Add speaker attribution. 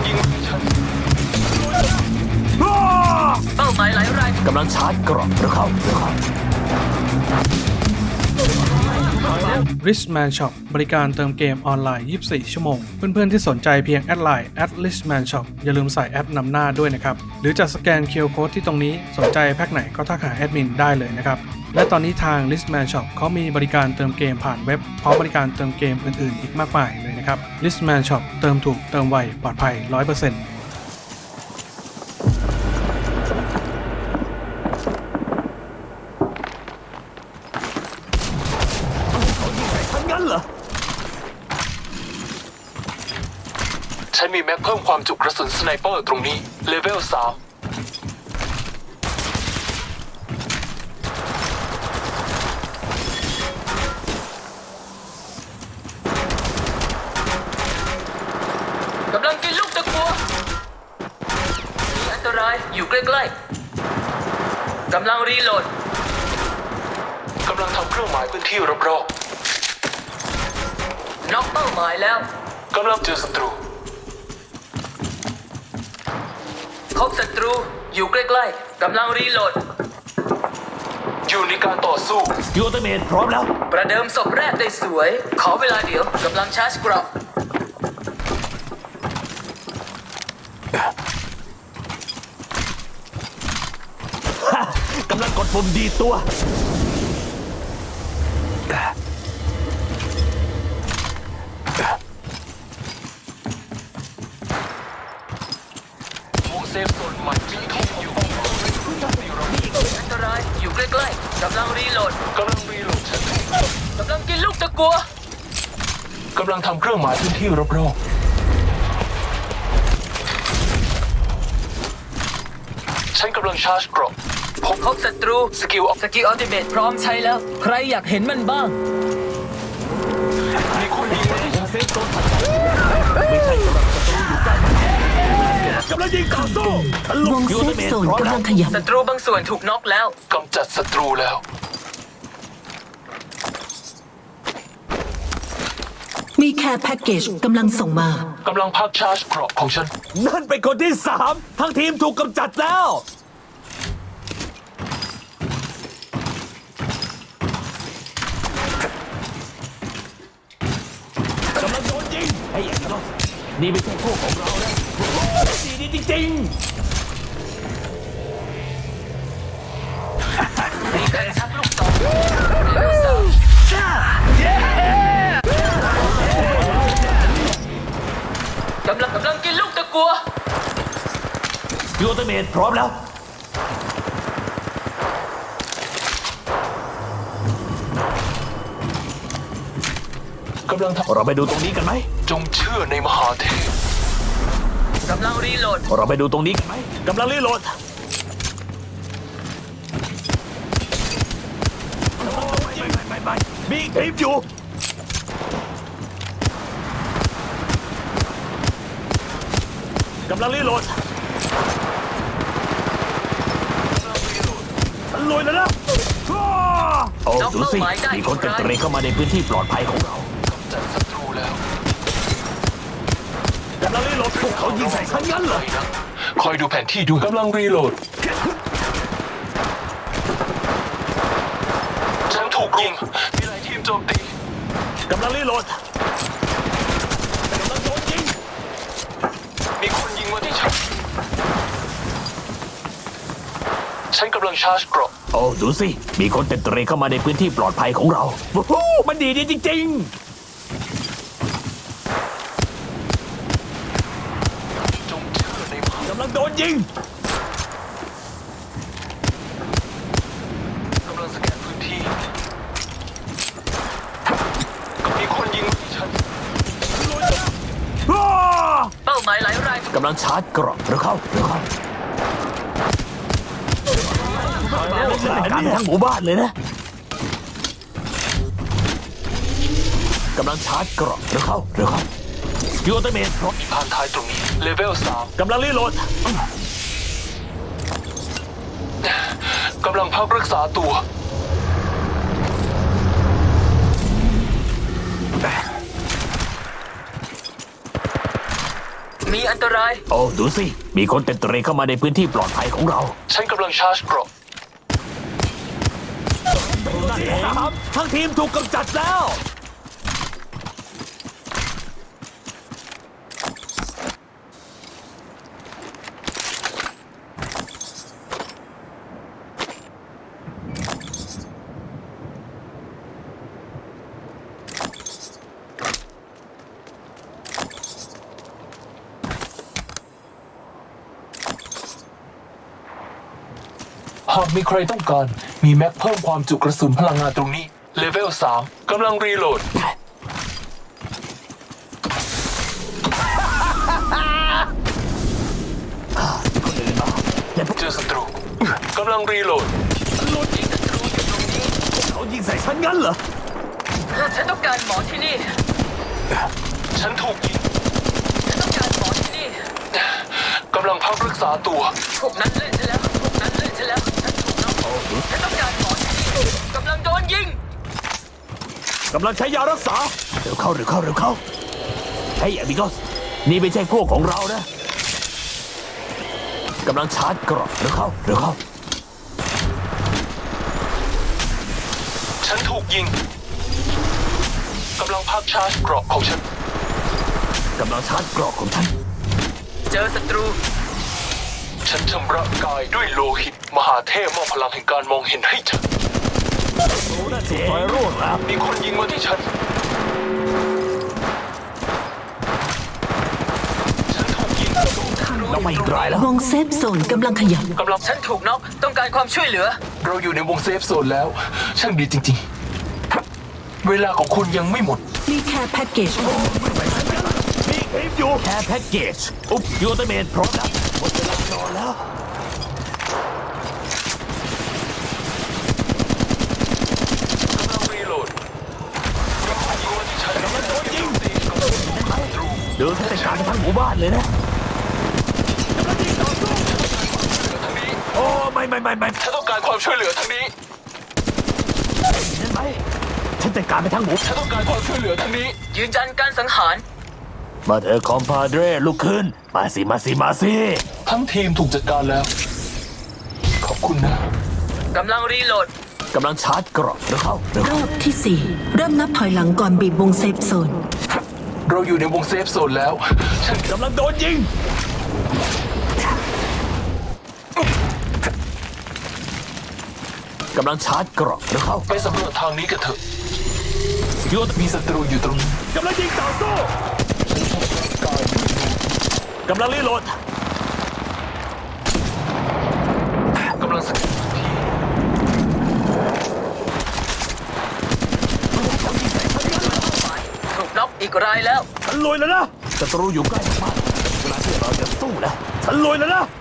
Speaker 1: ยิงฉัน
Speaker 2: เป้าหมายหลายราย
Speaker 3: กำลังชาร์จกรอบเร็วเข้า
Speaker 4: Richman Shop บริการเติมเกมออนไลน์ 24 ชั่วโมง เพื่อนๆที่สนใจเพียงแอดไลน์ @Richman Shop อย่าลืมใส่แอดนำหน้าด้วยนะครับ หรือจะสแกน QR Code ที่ตรงนี้สนใจแพ็คไหนก็ทักหาแอดมินได้เลยนะครับ และตอนนี้ทาง Richman Shop เขามีบริการเติมเกมผ่านเว็บพร้อมบริการเติมเกมอื่นๆอีกมากมายเลยนะครับ Richman Shop เติมถูกเติมไวปลอดภัย 100%
Speaker 1: ฉันมีแม็กเพิ่มความจุกระสุนสไนเปอร์ตรงนี้เลเวล 3
Speaker 2: กำลังกินลูกตะกัวมีอันตรายอยู่ใกล้ๆกำลังรีโหลด
Speaker 1: กำลังทำเครื่องหมายพื้นที่รอบ
Speaker 2: น็อกเป้าหมายแล้ว
Speaker 1: ๆกำลังเจอศัตรู
Speaker 2: พบศัตรูอยู่ใกล้ๆกำลังรีโหลด
Speaker 1: อยู่ในการต่อสู้
Speaker 3: ยูเตเมทพร้อมแล้ว
Speaker 2: ประเดิมศพแรกได้สวยขอเวลาเดี๋ยวกำลังชาร์จกรอบ
Speaker 3: กำลังกดปุ่มดีตัว
Speaker 1: เซฟโซนใหม่มีที่อยู่
Speaker 2: อันตรายอยู่ใกล้ๆกำลังรีโหลด
Speaker 1: กำลังรีโหลดฉัน
Speaker 2: กำลังกินลูกตะกัว
Speaker 1: กำลังทำเครื่องหมายพื้นที่รอบๆฉันกำลังชาร์จกรอบ
Speaker 2: พบศัตรู
Speaker 1: สกิล
Speaker 2: อัลติเมทพร้อมใช้แล้วใครอยากเห็นมันบ้าง
Speaker 1: มีคนยิงมาที่ฉันเซฟโซน
Speaker 3: ไม่ใช่กำลังศัตรูอยู่ใกล้กำลังยิงต่อสู้
Speaker 5: วงเซฟโซนกำลังขยับ
Speaker 2: ศัตรูบางส่วนถูกน็อกแล้ว
Speaker 1: กำจัดศัตรูแล้ว
Speaker 5: มีแคร์แพ็กเกจกำลังส่งมาก
Speaker 1: ำลังพักชาร์จกรอบของฉัน
Speaker 3: นั่นเป็นคนที่3ทั้งทีมถูกกำจัดแล้วกำลังโดนยิงไอ้เอ็กซ์นี่ไม่ใช่พวกของเรานะดีจริง
Speaker 2: มีการชักลูกศรกำลังกินลูกตะกัว
Speaker 3: ยูเตเมทพร้อมแล้ว
Speaker 1: กำลัง
Speaker 3: เราไปดูตรงนี้กันไหม
Speaker 1: จงเชื่อในมหาเทพ
Speaker 2: กำลังรีโหลด
Speaker 3: เราไปดูตรงนี้กันไหมกำลังรีโหลดไม่มีคลิปอยู่กำลังรีโหลดฉันลุยแล้วนะโอ้ดูสิมีคนเต็มเตะเข้ามาในพื้นที่ปลอดภัยของเรา
Speaker 1: กำจัดศัตรูแล้ว
Speaker 3: กำลังรีโหลดพวกเขายิงใส่ฉันงั้นเหรอ
Speaker 1: คอยดูแผนที่ดูกำลังรีโหลดฉันถูกยิงมีหลายทีมโจมตี
Speaker 3: กำลังรีโหลดกำลังโดนยิง
Speaker 1: มีคนยิงมาที่ฉันกำลังชาร์จกรอบ
Speaker 3: โอ้ดูสิมีคนเต็มเตะเข้ามาในพื้นที่ปลอดภัยของเราโอ้โหมันดีจริง
Speaker 1: จงเชื่อในมหาก
Speaker 3: ำลังโดนยิง
Speaker 1: กำลังสแกนพื้นที่มีคนยิงมาที่ฉัน
Speaker 2: เป้าหมายหลายราย
Speaker 3: กำลังชาร์จกรอบเร็วเข้าการทั้งหมู่บ้านเลยนะกำลังชาร์จกรอบเร็วเข้ายูเตเมทพร้อม
Speaker 1: ผ่านท้ายตรงนี้เลเวล 3
Speaker 3: กำลังรีโหลด
Speaker 1: กำลังพักรักษาตัว
Speaker 2: มีอันตราย
Speaker 3: โอ้ดูสิ มีคนเต็มเตรเข้ามาในพื้นที่ปลอดภัยของเรา
Speaker 1: ฉันกำลังชาร์จเกราะ
Speaker 3: นั่นเองทั้งทีมถูกกำจัดแล้ว
Speaker 1: หากมีใครต้องการ มีแม็กเพิ่มความจุกระสุนพลังงานตรงนี้ เลเวล 3กำลังรีโหลด เจอศัตรูกำลังรีโหลด
Speaker 3: เขายิงใส่ฉันงั้นเหรอ
Speaker 2: ฉันต้องการหมอที่นี่
Speaker 1: ฉันถูกยิง
Speaker 2: ฉันต้องการหมอที่นี่
Speaker 1: กำลังพักรักษาตัว
Speaker 2: พวกนั้นเล่นฉันแล้ว พวกนั้นเล่นฉันแล้ว ฉันถูกน้องฉันต้องการหมอที่นี่กำลังโดนยิง
Speaker 3: กำลังใช้ยารักษา เร็วเข้าเร็วเข้าเร็วเข้าเฮ้ยอมิโกสนี่ไม่ใช่พวกของเรานะกำลังชาร์จเกราะเร็วเข้าเร็วเข้า
Speaker 1: ฉันถูกยิงกำลังพักชาร์จเกราะของฉัน
Speaker 3: กำลังชาร์จเกราะของฉัน
Speaker 2: เจอศัตรู
Speaker 1: ฉันชำระกายด้วยโลหิต มหาเทพมอบพลังแห่งการมองเห็นให้ฉัน
Speaker 3: เจ๊ไฟร่วงแล้ว
Speaker 1: มีคนยิงมาที่ฉัน ฉันถูกยิง
Speaker 3: เราไม่อีกรายแล้ว
Speaker 5: วงเซฟโซนกำลังขยับ
Speaker 1: กำลัง
Speaker 2: ฉันถูกน็อกต้องการความช่วยเหลือ
Speaker 1: เราอยู่ในวงเซฟโซนแล้ว ช่างดีจริงๆ เวลาของคุณยังไม่หมด
Speaker 5: มีแค่แพ็กเกจ
Speaker 3: มีคลิปอยู่แค่แพ็กเกจอุ๊บยูเตเมนพร้อมแล้วหมดเวลานอนแล้ว
Speaker 1: กำลังรีโหลดมีคนยิงมาที่ฉันกำลังโดนยิงศัตรู
Speaker 3: เดินไปการทั้งหมู่บ้านเลยนะกำลังยิงต่อสู้
Speaker 1: ทางนี้
Speaker 3: โอ้ไม่
Speaker 1: ฉันต้องการความช่วยเหลือทางนี้
Speaker 3: เห็นไหมฉันจัดการไปทั้งหมู่
Speaker 1: ฉันต้องการความช่วยเหลือทางนี้
Speaker 2: ยืนยันการสังหาร
Speaker 3: มาเถอะคอมพาเดรลุกขึ้นมาสิมาสิมาสิ
Speaker 1: ทั้งทีมถูกจัดการแล้ว ขอบคุณนะ
Speaker 2: กำลังรีโหลด
Speaker 3: กำลังชาร์จเกราะเร็วเข้าเร็ว
Speaker 5: ร
Speaker 3: เข้า
Speaker 5: อบที่ 4 เริ่มนับถอยหลังก่อนบีบวงเซฟโซน
Speaker 1: เราอยู่ในวงเซฟโซนแล้ว ฉัน
Speaker 3: กำลังโดนยิงกำลังชาร์จเกราะเร็วเข้า
Speaker 1: ไปสำรวจทางนี้กันเถอะ
Speaker 3: ยูเต
Speaker 1: มีศัตรูอยู่ตรงนี้
Speaker 3: กำลังยิงต่อสู้กำลังรีโหลด
Speaker 1: กำลังสแกนพื้นที่
Speaker 2: ถูกน็อกอีกรายแล้ว
Speaker 3: ฉันลุยแล้วนะศัตรูอยู่ใกล้มากเวลาที่เราจะสู้แล้วฉันลุยแล้วนะ